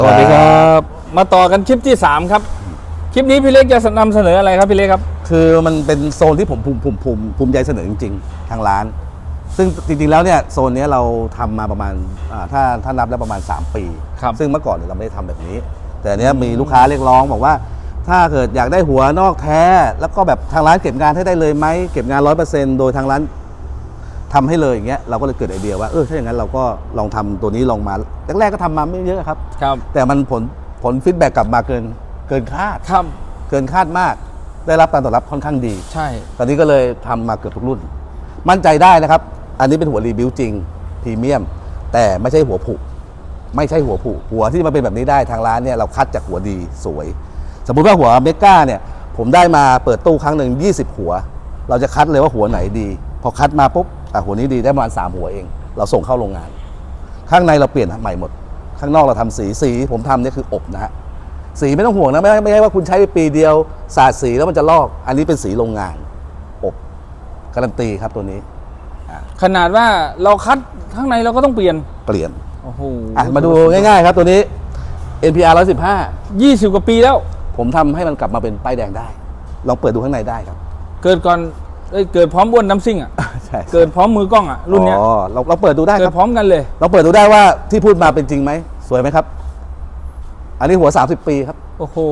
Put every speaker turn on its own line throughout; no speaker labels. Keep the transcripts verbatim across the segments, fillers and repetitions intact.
สวัสดีครับมาต่อกันคลิปที่สามครับคลิปนี้พี่เล็กจะนำเสนออะไรครับพี่เล็กครับ
คือมันเป็นโซนที่ผมภูมิภูมิภูมิภูมิใจเสนอจริงๆทางร้านซึ่งจริงๆแล้วเนี่ยโซนนี้เราทำมาประมาณถ้าถ้านับแล้วประมาณสามปีซึ่งเมื่อก่อนเนี่ยเราไม่ได้ทำแบบนี้แต่เนี้ยมีลูกค้าเรียกร้องบอกว่าถ้าเกิดอยากได้หัวนอกแท้แล้วก็แบบทางร้านเก็บงานให้ได้เลยไหมเก็บงาน ร้อยเปอร์เซ็นต์ โดยทางร้านทำให้เลยอย่างเงี้ยเราก็เลยเกิดไอเดียว่าเออถ้าอย่างนั้นเราก็ลองทำตัวนี้ลองมาแรกๆก็ทำมาไม่เยอะครับ
ครับ
แต่มันผลผลฟีดแบ็กกลับมาเกินเกินคาด
ครับ
เกินคาดมากได้รับการตอบรับค่อนข้างดี
ใช่
ตอนนี้ก็เลยทำมาเกือบทุกรุ่นมั่นใจได้นะครับอันนี้เป็นหัวรีบิวจริงพรีเมียมแต่ไม่ใช่หัวผุไม่ใช่หัวผุหัวที่มาเป็นแบบนี้ได้ทางร้านเนี่ยเราคัดจากหัวดีสวยสมมุติว่าหัวเมก้าเนี่ยผมได้มาเปิดตู้ครั้งหนึ่งยี่สิบหัวเราจะคัดเลยว่าหัวไหนดีพอคัดมาปุ๊บอ่ะหัวนี้ดีได้ประมาณสามหัวเองเราส่งเข้าโรงงานข้างในเราเปลี่ยนใหม่หมดข้างนอกเราทำสีสีผมทำเนี่ยคืออบนะฮะสีไม่ต้องห่วงนะไม่ไม่ใช่ว่าคุณใช้ไปปีเดียวสาดสีแล้วมันจะลอกอันนี้เป็นสีโรงงานอบการันตีครับตัวนี้
ขนาดว่าเราคัดข้างในเราก็ต้องเปลี่ยน
เปลี่ยน
โอ้โห
มาดูง่ายๆครับตัวนี้ เอ็น พี อาร์ หนึ่งร้อยสิบห้า
ยี่สิบกว่าปีแล้ว
ผมทำให้มันกลับมาเป็นป้ายแดงได้ลองเปิดดูข้างในได้ครับ
เกิดก่อนเอ้ยเกิดพร้อมอ้วนน้ำซิ่งอ่ะ
ใช่
เกิดพร้อมมือกล้องอ่ะรุ่นเนี้ย
อ๋อเราเราเปิดดูได้
เกิดพร้อมกันเลย
เราเปิดดูได้ว่าที่พูดมาเป็นจริงไหมสวยไหมครับอันนี้หัวสามสิบปีครับ
โอ้โห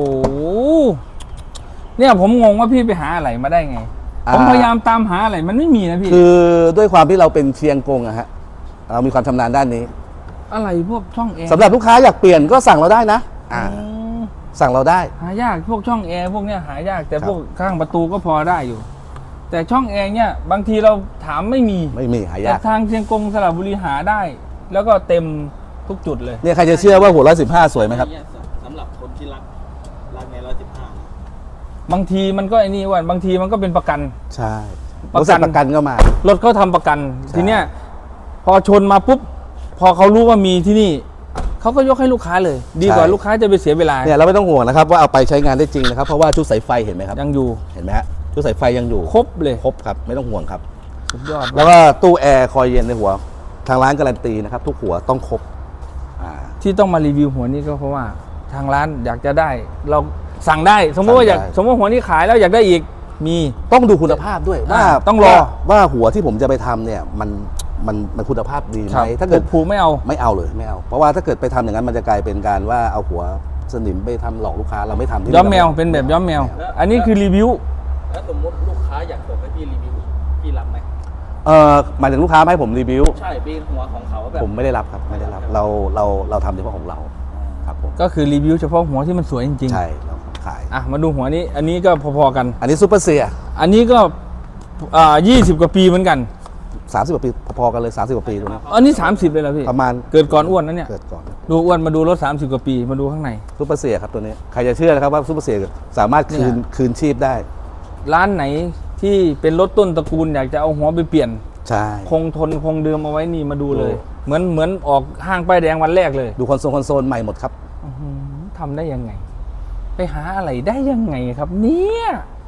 เนี่ยผมงงว่าพี่ไปหาอะไรมาได้ไงผมพยายามตามหาอะไรมันไม่มีนะพี่
คือด้วยความที่เราเป็นเชียงกงอะฮะเรามีความชำนาญด้านนี้
อะไรพวกช่องแอร์
สำหรับลูกค้าอยากเปลี่ยนก็สั่งเราได้นะอ่าสั่งเราได้
หายากพวกช่องแอร์พวกเนี้ยหายากแต่พวกข้างประตูก็พอได้อยู่แต่ช่องแอร์เนี่ยบางทีเราถามไม่มี
ไม่มีหายาก
แต่ทางเชียงกงสระบุรีหาได้แล้วก็เต็มทุกจุดเลย
เนี่ยใครจะเชื่อว่าหัวร้อยสิบห้าสวยไหมครับ
สำหรับคนที่รักรักในร้อยสิบห้า
บางทีมันก็ไอ้นี่ว่าบางทีมันก็เป็นประกัน
ใช่ประกันประกันก็มาร
ถเขาทำประกันทีเนี้ยพอชนมาปุ๊บพอเขารู้ว่ามีที่นี่เขาก็ยกให้ลูกค้าเลยดีกว่าลูกค้าจะไปเสียเวลา
เนี่ยเราไม่ต้องห่วงนะครับว่าเอาไปใช้งานได้จริงนะครับเพราะว่าชุดสายไฟเห็นไหมครับ
ยังอยู่
เห็นไหมฮะชุดสายไฟยังอยู่
ครบเลย
ครบครับไม่ต้องห่วงครับ
สุดยอด
แล้วก็ตู้แอร์คอยเย็นในหัวทางร้านการันตีนะครับทุกหัวต้องครบ
ที่ต้องมารีวิวหัวนี้ก็เพราะว่าทางร้านอยากจะได้เราสั่งได้สมมติว่าอยากสมมติหัวนี้ขายแล้วอยากได้อีกมี
ต้องดูคุณภาพด้วยว่า
ต้องรอ
ว่าหัวที่ผมจะไปทำเนี่ยมันมันมันคุณภาพดีไหมถ้าเกิด
ผูไม่เอา
ไม่เอาเลยไม่เอาเพราะว่าถ้าเกิดไปทำอย่างนั้นมันจะกลายเป็นการว่าเอาหัวสนิมไปทำหลอกลูกค้าเราไม่ทำที่
ย้อมแมวเป็นแบบย้อมแมวอันนี้คือรีวิว
แล้วสมมติลูกค้าอยากส่งให้พี่รีวิวพี่รับไหม
เออหมายถึงลูกค้าให้ผมรีวิว
ใช่เป็นหัวของเขาแบบ
ผมไม่ได้รับครับไม่ได้รับเราเราเราทำเฉพาะของเราครับผม
ก็คือรีวิวเฉพาะหัวที่มันสวยจริง
ๆใช่เราขาย
อ่ะมาดูหัวนี้อันนี้ก็พอๆกัน
อันนี้ซูเปอร์เซีย
อันนี้ก็อ่ายี่สิบกว่าปีเหมือนกัน
สามสิบกว่าปีพอๆกันเลยสามสิบกว่าปีตรงนี้
อันนี้สามสิบเลยเหรอพี่
ประมาณ
เกิดก่อนอ้วนนะเนี่ย
เกิดก่อน
ดูอ้วนมาดูรถสามสิบกว่าปีมาดูข้างใน
ซูเปอร์เซียครับตัวนี้ใครจะเชื่อนะครับว่าซูเปอร์เซียสามารถคืนคืนชีพได้
ร้านไหนที่เป็นรถต้นตระกูลอยากจะเอาหัวไปเปลี่ยน
ใช่
คงทนคงเดิมเอาไว้นี่มาดูเลยเหมือนเหมือนออกห้างป้ายแดงวันแรกเลย
ดูคอนโซลคอนโซลใหม่หมดครับ
ทำได้ยังไงไปหาอะไรได้ยังไงครับเนี่ย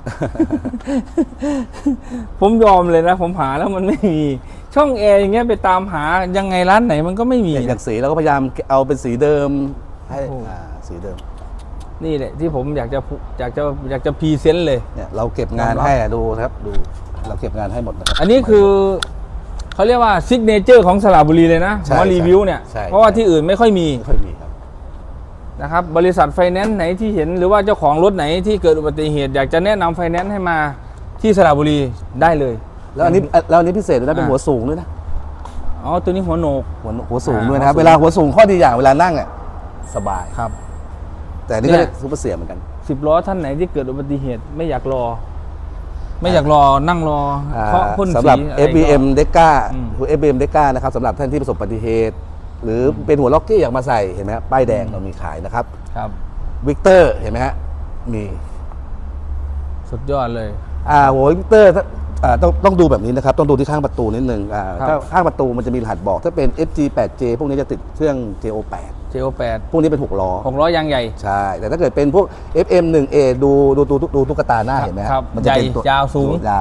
ผมยอมเลยนะผมหาแล้วมันไม่มีช่องแอร์อย่างเงี้ยไปตามหายังไงร้านไหนมันก็ไม่มี
อย่างสีเราก็พยายามเอาเป็นสีเดิมให้สีเดิม
นี่แหละที่ผมอยากจะอยากจะอยากจะพรีเซนต์เลย
เนี่ยเราเก็บงานให้ดูครับดูเราเก็บงานให้หมดนะครับ
อันนี้คือเขาเรียกว่าซิกเนเจอร์ของสระบุรีเลยนะหัวรีวิวเนี่ยเพราะว่าที่อื่นไม่ค่อยมี
ไม่ค่อยมีครับ
นะครับบริษัทไฟแนนซ์ไหนที่เห็นหรือว่าเจ้าของรถไหนที่เกิดอุบัติเหตุอยากจะแนะนำไฟแนนซ์ให้มาที่สระบุรีได้เลย
แล้วอันนี้แล้วอันนี้พิเศษด้วยนะเป็นหัวสูงด้วยนะ
อ๋อตัวนี้หัวโหนก
หัวหัวสูงด้วยนะครับเวลาหัวสูงข้อดีอย่างเวลานั่งอ่ะสบาย
ครับ
แต่นี่ก็เรียกซูเปอร์เซียเหมือนกัน
สิบล้อท่านไหนที่เกิดอุบัติเหตุไม่อยากรอไม่อยากรอนั่งรอเพราะพ่นสี
สำหรับ เอฟ บี เอ็ม Deca หัว เอฟ บี เอ็ม Deca นะครับสำหรับท่านที่ประสบอุบัติเหตุหรือเป็นหัวล็อกกี้อยากมาใส่เห็นไหมป้ายแดงเรามีขายนะครับ
ครับ
วิกเตอร์เห็นไหมฮะมี
สุดยอดเลย
อ่าหัววิกเตอร์ต้องต้องดูแบบนี้นะครับต้องดูที่ข้างประตูนิดนึงอ่าถ้าข้างประตูมันจะมีรหัสบอกถ้าเป็น เอฟ จี แปด เจ พวกนี้จะติดเครื่อง เจ โอ แปด
เจ โอ แปด
พวกนี้เป็นหกล้อ
หกล้อยางใหญ่
ใช่แต่ถ้าเกิดเป็นพวก เอฟ เอ็ม หนึ่ง เอ ดูดูดูดูตุ๊กตาหน้าเห็นไหม
มันจะเป็นตัวยาวสูง
ยาว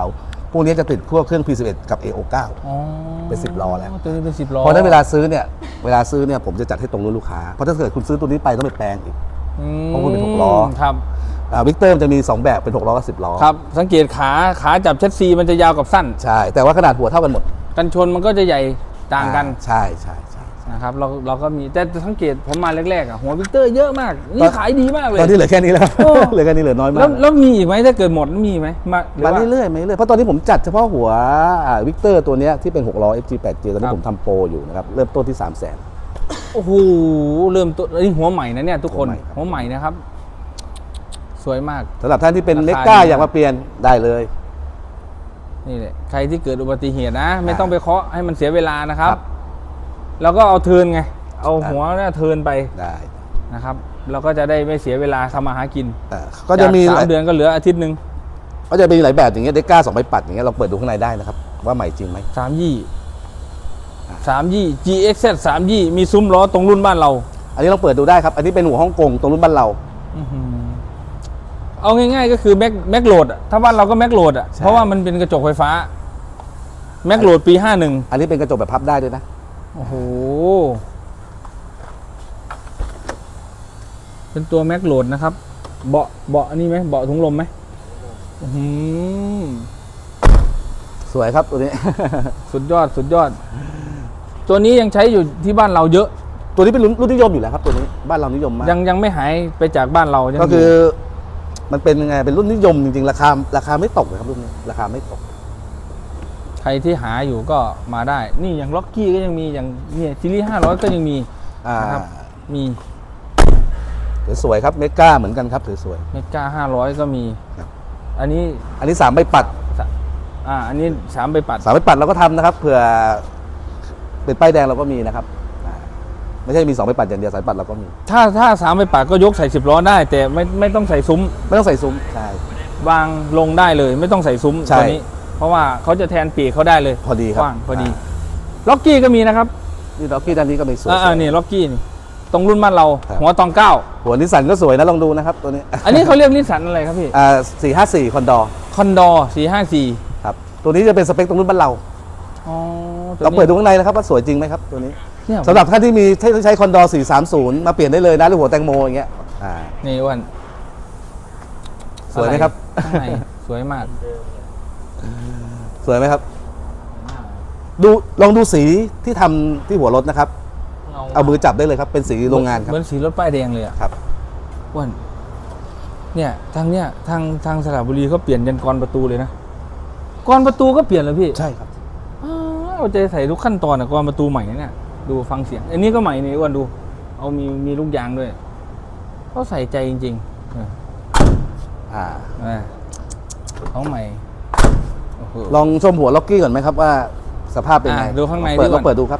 พวกนี้จะติดพวกเครื่อง พี สิบเอ็ด กับ เอ โอ ไนน์
อ๋อ
เป็นสิบล้อแล้ว
ตัวนี้เป็นสิบล้อ
เพราะฉะนั้นเวลาซื้อเนี่ยเวลาซื้อเนี่ยผมจะจัดให้ตรงรุ่นลูกค้าเพราะถ้าเกิดคุณซื้อตัวนี้ไปต้องไปแปลงอีก
อืม
เพราะคุณเป็นหกล้อ
ครับ
วิกเตอร์มันจะมีสองแบบเป็นหกล้อกับสิบล้อ
ครับ สังเกตขาขาจับเชสซีมันจะยาวกับสั้น
ใช่แต่ว่าขนาดหัวเท่ากันหมด
กันชนมันก็จะใหญ่ต่างกัน
อ่ใช่ใช่ใช่
นะครับเราเราก็มีแต่สังเกตผมมาแรกๆอ่ะหัววิกเตอร์เยอะมาก
ตอ
นี่
น
ขายดีมากเลย
ตอนนี้เหลือแค่นี้แล้วครับ
โอ้
เหลือแค่นี้เหลือน้อยมา
แล้
ก
วแล้วมีอีกไหมถ้าเกิดหมดมีไหมมาหรือ
มา
ว่า
เรื่อยๆมาเรื่อยๆเพราะตอนนี้ผมจัดเฉพาะหัววิกเตอร์ตัวเนี้ยที่เป็นหกล้อ เอฟ จี แปด เจ ตอน
ครั
นี้
บ
ผมทำโปรอยู่นะครับเริ่มต้นที่ สามแสน
โอ้โหเริ่มต้นนี่หัวใหม่นะเนี่ยทุกคน
หัวใหม่ครับ
หัวใหม่นะครับ สวยมาก
สำหรับท่านที่เป็น
ราคา
เมก้า
ดีมาก
อยากมาเปลี่ยนได้เลย
นี่แหละใครที่เกิดอุบัติเหตุนะ ไม่
อ่า
ต้องไปเคาะให้มันเสียเวลานะครับ
ครับ
แล้วก็เอาเทิร์นไง เอาหัวเนี่ยเทิร์นไป
ได้
นะครับเราก็จะได้ไม่เสียเวลาทำมาหากิน
อ่าก็จะมี
จาก
ห
สา
ลาม ย
เดือนก็เหลืออาทิตย์หนึ่ง
ก็จะมีหลายแบบอย่างเงี้ยเดก้าสองใบปัดอย่างเงี้ยเราเปิดดูข้างในได้นะครับว่าใหม่จริงไหม
สามยี่สามยี่ จี เอ็กซ์ แซด สามยี่มีซุ้มล้อตรงรุ่นบ้านเรา
อันนี้เราเปิดดูได้ครับ อันนี้เป็นหัวฮ่องกงตรงรุ่นบ้านเรา
อื้อหือเอาง่ายๆก็คือแม็กแม็กโหลดอะถ้าบ้านเราก็แม็กโหลดอะ
ใช่
เพราะว่ามันเป็นกระจกไฟฟ้าแม็กโหลดปีห้าหนึ่ง
อันนี้เป็นกระจกแบบพับได้ด้วยนะ
โอ้โหเป็นตัวแม็กโหลดนะครับเบาะเบาะอันนี้ไหมเบาะถุงลมไหมอื้อหือ
สวยครับตัวนี้
สุดยอดสุดยอด ตัวนี้ยังใช้อยู่ที่บ้านเราเยอะ
ตัวนี้เป็นรุ่นรุ่นนิยมอยู่แล้วครับตัวนี้บ้านเรานิยมมาก
ยังยังไม่หายไปจากบ้านเรายัง
ก็คือ
ยู่
มันเป็นยังไงเป็นรุ่นนิยมจริงๆราคาราคาไม่ตกเลยครับรุ่นนี้ราคาไม่ตก
ใครที่หาอยู่ก็มาได้ นี่อย่างล็อกกี้ก็ยังมีอย่างเนี่ยซีรีส์ห้าร้อยก็ยังมี
อ่า
นะครับมี
สวยๆครับเมก้าเหมือนกันครับสวย
เมกาห้าร้อยก็มี
ครับ
อันนี้
ๆอันนี้สามใบปัด
สะอ่าอันนี้สามใบปัด
สามใบปัดเราก็ทำนะครับเผื่อเป็นป้ายแดงเราก็มีนะครับอ่าไม่ใช่มีสองใบปัดอย่างเดียวสายปัดเราก็มี
ถ้าถ้าสามใบปัดก็ยกใส่สิบล้อได้ แต่ไม่ไม่ต้องใส่ซุ้ม
ไม่ต้องใส่ซุ้มใช่
วางลงได้เลย ไม่ต้องใส่ซุ้ม
ใช่
ตัวนี้ เพราะว่าเขาจะแทนปีกเขาได้เลย
พอดีครับ
กว้างพอดีล็อกกี้ก็มีนะครับ
นี่ล็อกกี้ด้านนี้ก็มีสวย
อ่าๆนี่ล็อกกี้นี่ตรงรุ่นบ้านเรา
ครับ
หัวตองเก้า
หัวนิสสันก็สวยนะลองดูนะครับตัวนี้
อันนี้เขาเรียกนิสสันอะไรครับพี่
อ่าสี่ห้าสี่คอนดอร์
คอนดอร์สี่ห้าสี่
ครับตัวนี้จะเป็นสเปคตรงรุ่นบ้านเรา
อ๋อตัว
เรา
นี้
เปิดดูข้างในนะครับว่าสวยจริงไหมครับตัวนี้
เนี่ย
สำหรับท่านที่มีที่ใช้คอนดอร์สี่สามศูนย์มาเปลี่ยนได้เลยนะหรือหัวแตงโมอย่างเงี้ยอ่า
นี่อ้วัน
สวยไหมครับ
ข้างในสวยมาก
สวยไหมครับ ดูลองดูสีที่ทำที่หัวรถนะครับ เอามือจับได้เลยครับเป็นสีโรงงานครับ
เหมือนสีรถป้ายแดงเลยอ่ะ
ครับ
อ้วันเนี่ยทางเนี้ยทางทางสระบุรีเขาเปลี่ยนยันกรประตูเลยนะกรประตูก็เปลี่ยนเลยพี่
ใช่ครับ
อ้าวเอาใจใส่ทุกขั้นตอนอะกรประตูใหม่นะเนี่ยดูฟังเสียง อันนี้ก็ใหม่นี่อ้วันดู เอามีมีลูกยางด้วยเขาใส่ใจจริงๆเออ
อ่า
เออของใหม่โอ้โห
ลองชมหัวล็อกกี้ก่อนไหมครับว่าสภาพเป็นไง
อ่าดูข้างใน
เปิด
ดีกว่า
ลองเปิดดูครับ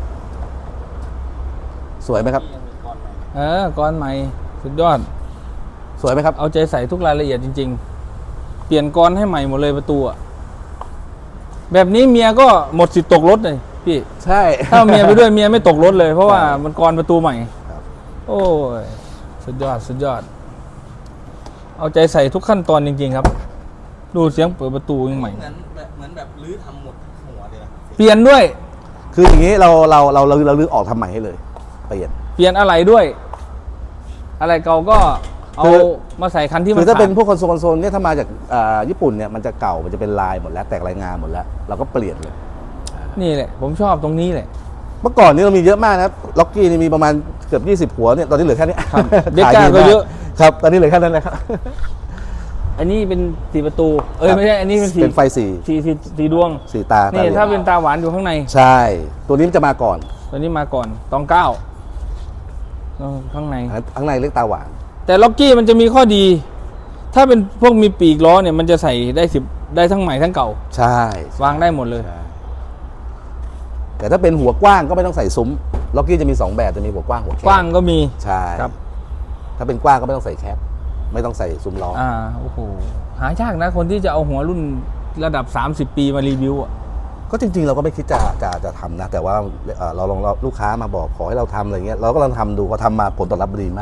สวยไหมครับ
เออกรใหม่สุดยอด
สวยไหมครับ
เอาใจใส่ทุกรายละเอียดจริง ๆ เปลี่ยนกรให้ใหม่หมดเลยประตูอะแบบนี้เมียก็หมดสิทธิ์ตกรถเลยพี่
ใช่
ถ้าเมียไปด้วยเมียไม่ตกรถเลย เพราะว่า
ใช่
มันกรประตูใหม่
ครับ
โอ้ยสุดยอดสุดยอด เอาใจใส่ทุกขั้นตอนจริง ๆ ครับ ดูเสียงเปิดประตูยังใหม่
เหมือนแบบเหมือนแบบรื้อทำหมดหัวเลยนะ
เปลี่ยนด้วย
คืออย่างนี้เราเราเราเราเราลื้อออกทำใหม่ให้เลยเปลี่ยน
เปลี่ยนอะไรด้วย อะไรเก่าก็เอา
คือ
มาใส่คันที่มัน
คือถ้าเป็น
ขด
พวกคอนโซลคอนโซลเนี่ยถ้ามาจากอ่าญี่ปุ่นเนี่ยมันจะเก่ามันจะเป็นลายหมดแล้วแตกลายงานหมดแล้ว เราก็เปลี่ยนเลย
นี่แหละ ผมชอบตรงนี้แหละ
เมื่อก่อนนี่เรามีเยอะมากนะครับล็อกกี้นี่มีประมาณเกือบยี่สิบหัวเนี่ยตอนนี้เหลือแค่นี้
ครับ
ข
เดก้า
ดี
ก็
ม
เยอะ
ครับตอนนี้เหลือแค่นั้นนะครับ
อันนี้เป็นสีประตู เอ้ย
ครับ
ไม่ใช่อันนี้เป็นสี
เป็นไฟสี
สีสีสีดวง
สีตา
นี่
ตหลือง
ถ้าเป็นตาหวานอยู่ข้างใน
ใช่ ตัวนี้มันจะมาก่อน
ตัวนี้มาก่อนตองเก้าเออข้างใน
อันข้างในเรียกตาหวาน
แต่ล็อกกี้มันจะมีข้อดี ถ้าเป็นพวกมีปีกล้อเนี่ยมันจะใส่ได้สิบได้ทั้งใหม่ทั้งเก่า
ใช่
วางได้หมดเลย
ใช่แต่ถ้าเป็นหัวกว้างก็ไม่ต้องใส่ซุ้มล็อกกี้จะมีสองแบบจะมีหัวกว้างหัวแคบ
กว้างก็มี
ใช่
ครับ
ถ้าเป็นกว้างก็ไม่ต้องใส่แคปไม่ต้องใส่ซุ้มล้ออ
อ่าโอ้โหหายากนะคนที่จะเอาหัวรุ่นระดับ สามสิบ ปีมารีวิวอ่ะ
ก็จริงๆเราก็ไม่คิดจะจะจะทำนะ แต่ว่าเอ่อเราลองเราลูกค้ามาบอกขอให้เราทำอะไรเงี้ยเราก็ลองทำดูพอทำมาผลตอบรับดีมาก
อ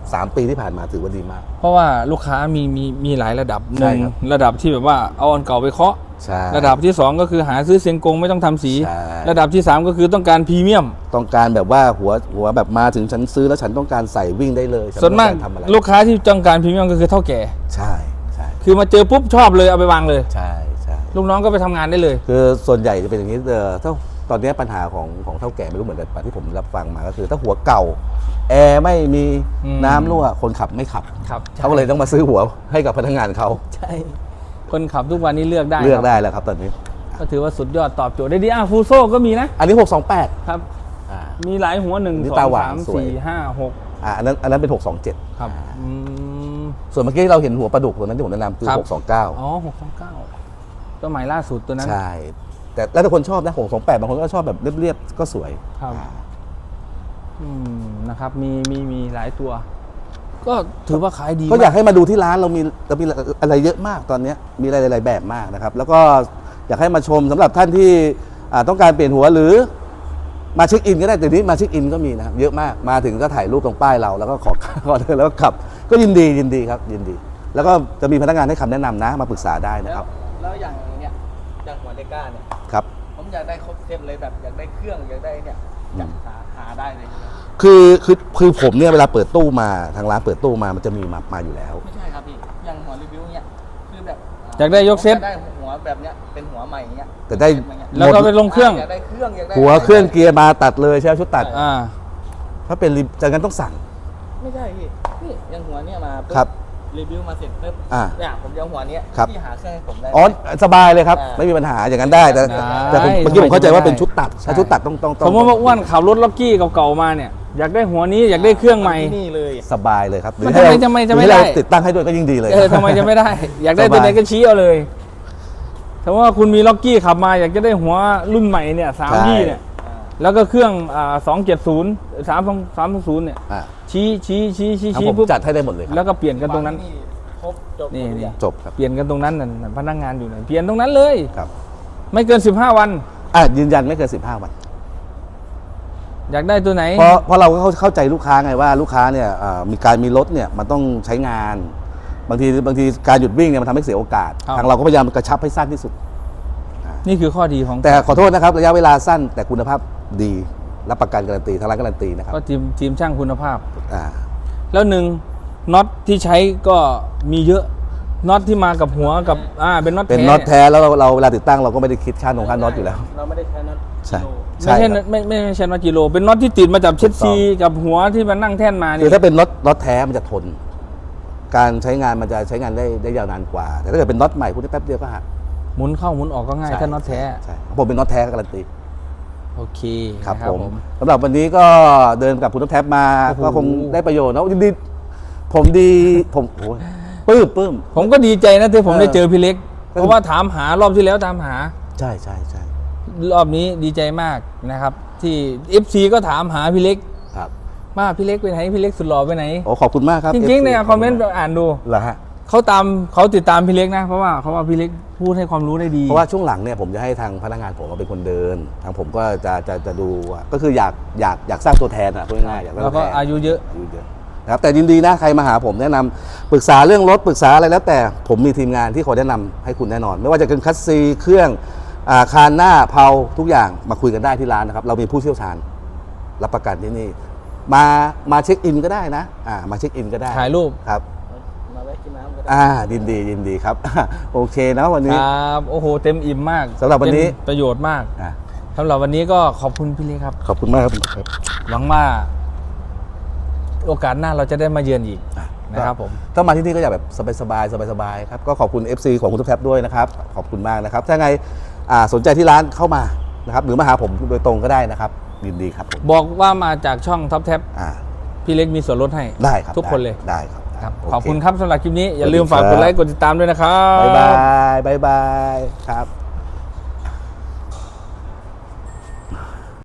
สามปีที่ผ่านมาถือว่าดีมาก
เพราะว่าลูกค้ามีมีมีหลายระดับห
ใช่
นึ่ง
ครับ
ระดับที่แบบว่าเอาอันเก่าไปเคาะ
ใช่
ระดับที่สองก็คือหาซื้อเซียงกงไม่ต้องทำสี
ใช่
ระดับที่สามก็คือต้องการพรีเมียม
ต้องการแบบว่าหัวหัวแบบมาถึงฉันซื้อแล้วฉันต้องการใส่วิ่งได้เลยฉั
ส่วนมาก
ไต้องรทำอะไร
ลูกค้าที่ต้องการพรีเมียมก็คือเท่าแก่
ใช่ใช่
คือมาเจอปุ๊บชอบเลยเอาไปวางเลย
ใช่ใช่
ลูกน้องก็ไปทำงานได้เลย
คือส่วนใหญ่จะเป็นอย่างนี้เออถ้าตอนนี้ปัญหาของของเท่าแก่ไม่รู้เหมือนกันปะที่ผมรับฟังมาก็คือถ้าหัวเก่าแอร์ไม่มี
อืม
น้ำรั่วคนขับไม่ขับ
ครับ
เขาก็เลยต้องมาซื้อหัวให้กับพนักงานเขา
ใช่คนขับทุกวันนี้เลือกได้
เลือก
ครับ
ได้แล้วครับตอนนี้
ก็ถือว่าสุดยอดตอบโจทย์ได้ดีอ่ะฟูโซก็มีนะ
อันนี้หกสองแปด
ครับ
อ่า
มีหลายหัวหนึ่ง
นี่
สอ
ตาง หวาน
สาม
สวย
สี่ห้าหก
อ่าอันนั้นอันนั้นเป็นหกสองเจ็ด
ครับอืม
ส่วนเมื่อกี้เราเห็นหัวปลาดุกตัวนั้นที่ผมแนะนำคือ
ครับ
หกสองเก้า
อ๋อหกสองเก้าตัวใหม่ล่าสุดตัวนั้น
ใช่ แต่แล้วแต่คนชอบนะหกสองแปดบางคนก็ชอบแบบเรียบๆก็สวย
ครับ
อ่า
อืมนะครับมีมีมีหลายตัว ก็ถือว่าขายดี
ก็อยาก
ม
ให้มาดูที่ร้านเรามีเรามีอะไรเยอะมากตอนนี้มีอะไรหลายๆแบบมากนะครับ แล้วก็อยากให้มาชมสำหรับท่านที่อ่าต้องการเปลี่ยนหัวหรือมาเช็คอินก็ได้แต่นี้มาเช็คอินก็มีนะครับเยอะมากมาถึงก็ถ่ายรูปตรงป้ายเราแล้วก็ขอ ขอเดินแล้วก็ขับ ก็ยินดียินดีครับยินดี แล้วก็จะมีพนักงานให้คำแนะนำนะมาปรึกษาได้นะ
แล้
คว รับ
แล้วอย่างเนี้ยอย่างหัวเลก้าเนี่ย
ครับ
ผมอยากได้ครบเซตเลยแบบอยากได้เครื่องอยากได้เนี่ยอยากหาหาได้เลยใช่ไหม
คือคือคือผมเนี่ยเวลาเปิดตู้มาทางร้านเปิดตู้มามันจะมีมามาอยู่แล้ว
ไม่ใช่ครับพี่อย่างหัวรีวิวเนี่ยคือแบบ
อยากได้ยกเซ็ต
ผมอยากได้หัวแบบเนี้ยเป็นหัวใหม่อย่างเงี้ย
แต่ได้
แล้วก็ไปลงเครื่อง
อยากได้เครื่องอยากได้
หัวเครื่องเกียร์มาตัดเลยใช่ไหมชุดตัด
อ่า
ถ้าเป็นรีจากนั้นต้องสั่ง
ไม่ใช่พี่นี่อย่างหัวเนี่ยมาปุ๊
ครับ
รีวิวมาเสร็จปุ๊บ
อ่า
เนี่ยผมจะเอาหัวเนี้ย
ครับ
พี่หาเครื่องให้ผมได้
อ๋อสบายเลยครับ
อ่า
ไม่มีปัญหาอย่างนั้นได้แต่
ได้
แต่ผมเมื่อกี้ผมเข้าใจว่าเป็นชุดตัด
ใช่
ถ้าชุดตัดต้องต้องต้
ส
อง
มมติว่าอ้วนขับรถล็อกกี้เก่าๆมาเนี่ย อยากได้หัวนี้อยากได้เครื่องใหม่
ที่นี่เลย
สบายเลยครับหรือ
มัน
ให้เรา
ทำไมจะไม่
หรือให้เรา
ได้
ติดตั้งให้ด้วยก็ยิ่งดีเลย
เออทำไมจะไม่ได้ อยากได้ตัวไหนก็ชี้เอาเลยถ้าว่าคุณมีล็อกกี้ขับมาอยากจะได้หัวรุ่นใหม่เนี่ยสาม
ใช่
ยี่เนี่ย
อ่า
แล้วก็เครื่องอ่าสองเจ็ดศูนย์สามสองสามศูนย์เนี่ย
อ่า
ชี้ชี้ชี้ชี้
ทั้ง
ชี้
ผม
ปุ๊บ
จัดให้ได้หมดเลยครับ
แล้วก็เปลี่ยนกันตรงนั้น
ครบจบ
นี่
ทุก
นี่
อย่าง
จบครับ
เปลี่ยนกันตรงนั้นน่ะพนักงานอยู่ไหนเปลี่ยนตรงนั้นเลย
ครับ
ไม่เกินสิบห้าวัน
อ่ะยืนยันไม่เกินสิบห้าวัน
อยากได้ตัวไหน
เพราะเพราะเราก็เข้าเข้าใจลูกค้าไงว่าลูกค้าเนี่ยอ่ามีการมีรถเนี่ยมันต้องใช้งาน บางทีบางทีการหยุดวิ่งเนี่ยมันทำให้เสียโอกาส
ครับ
ทางเราก็พยายามกระชับให้สั้นที่สุด
นี่คือข้อดีของ
แต่ขอโทษนะครับระยะเวลาสั้นแต่คุณภาพดีรับประกันการันตีทางร้านการันตีนะครับ
ก็ทีมทีมช่างคุณภาพ
อ่า
แล้วหนึ่งน็อตที่ใช้ก็มีเยอะน็อตที่มากับหัวกับอ่าเป็นน็อต
เป็น
แท้
น็อตแท้แล้วเราเราเวลาติดตั้งเราก็ไม่ได้คิดค่าหนงค่าน็อตอยู่แล้ว
เราไม่ได้ใช้น็อต
ใช่
โล
ไม่ใช่
ครับ
ไม่ไม่ไม่ใช่น็อตกิโลเป็นน็อตที่ติดมาจากเช็ด
ถูกต้อง
ซีกับหัวที่มันนั่งแท่นมา
คื
เนี่
อย ถ้าเป็นน็อตน็อตแท้มันจะทน การใช้งานมันจะใช้งานได้ได้ยาวนานกว่า แต่ถ้าเกิดเป็นน็อตใหม่คุณได้แป๊บเดียวก็หัก
หมุนเข้าหมุนออกก็ง่ายถ้าน็อตแท้
ใช่ผมเป็นน็อตแท้การันตี
โอเค
ครับ
นะ
ผมสำหรับวันนี้ก็เดินกับคุณท็อปแท็บมา
โอ้โห
ก็คงได้ประโยชน์นะยินดีผมดีผมโอ้ยปลื้มปลื้ม
ผมก็ดีใจนะที่ผม
เออ
ได้เจอพี่เล็ก
ก็
เพราะว่าถามหารอบที่แล้วตามหา
ใช่ใช่ใช่
รอบนี้ดีใจมากนะครับ ที่ เอฟ ซี ก็ถามหาพี่เล็ก
ครับ
ว่าพี่เล็กไปไหนพี่เล็กสุดหล่อไปไหน
โอ้ขอบคุณมากครับ
จริงๆ
เอฟซี
ในคอมเมนต์อ่านดู
เหรอฮะ
เขาตามเขาติดตามพี่เล็กนะ เพราะว่าเขาว่าพี่เล็กพูดให้ความรู้ได้ดี
เพราะว่าช่วงหลังเนี่ยผมจะให้ทางพนักงานผมมาเป็นคนเดิน ทางผมก็จะจะจะดูว่าก็คืออยากอยากอยากสร้างตัวแทนอ่ะพูดง่ายๆอยากสร้าง
แล้ว
ตัว
ก็
แทน
อายุเยอะ
อายุเยอะนะครับแต่ยินดีนะใครมาหาผมแนะนำปรึกษาเรื่องรถปรึกษาอะไรแล้วแต่ผมมีทีมงานที่คอยแนะนำให้คุณแน่นอน ไม่ว่าจะเป็นคัสซีเครื่องอาคารหน้าเพาทุกอย่างมาคุยกันได้ที่ร้านนะครับเรามีผู้เชี่ยวชาญรับประกันที่นี่มามาเช็คอินก็ได้นะอ่ามาเช็คอินก็ได้
ถ่ายรูป
ครับ
มาแวะกินน้ำก็ได้
อ่ายินดียินดีครับ โอเคนะวัน
ค
นี้
รับโอ้โหเต็มอิ่มมาก
สำหรับวันนี้
เป็นประโยชน์มาก
อ่า
สำหรับวันนี้ก็ขอบคุณพี่เล็กครับ
ขอบคุณมากครับครับ
หวังว่า โอกาสหน้าเราจะได้มาเยือนอีก
อ่ะ
นะครับผม
ถ้ามาที่นี่ก็อยากแบบสบายๆสบายๆครับก็ขอบคุณ เอฟ ซี ของคุณทุกแท็บด้วยนะครับขอบคุณมากนะครับถ้าไงอ่าสนใจที่ร้านเข้ามานะครับหรือมาหาผมโดยตรงก็ได้นะครับยินดีครับผม
บอกว่ามาจากช่องท็อปแท็บ
อ่า
พี่เล็กมีส่วนลดให้
ได้ครับ
ทุกคนเลย
ได้ครับ
ครับ
โเ
ขอบคุณครับสำหรับคลิปนี้ อย่าลืม
สวั
ฝาก
สดี
ก
ครับ
ดไลค์กดติดตามด้วยนะครับ
บ๊ายบายบ๊ายบายครับ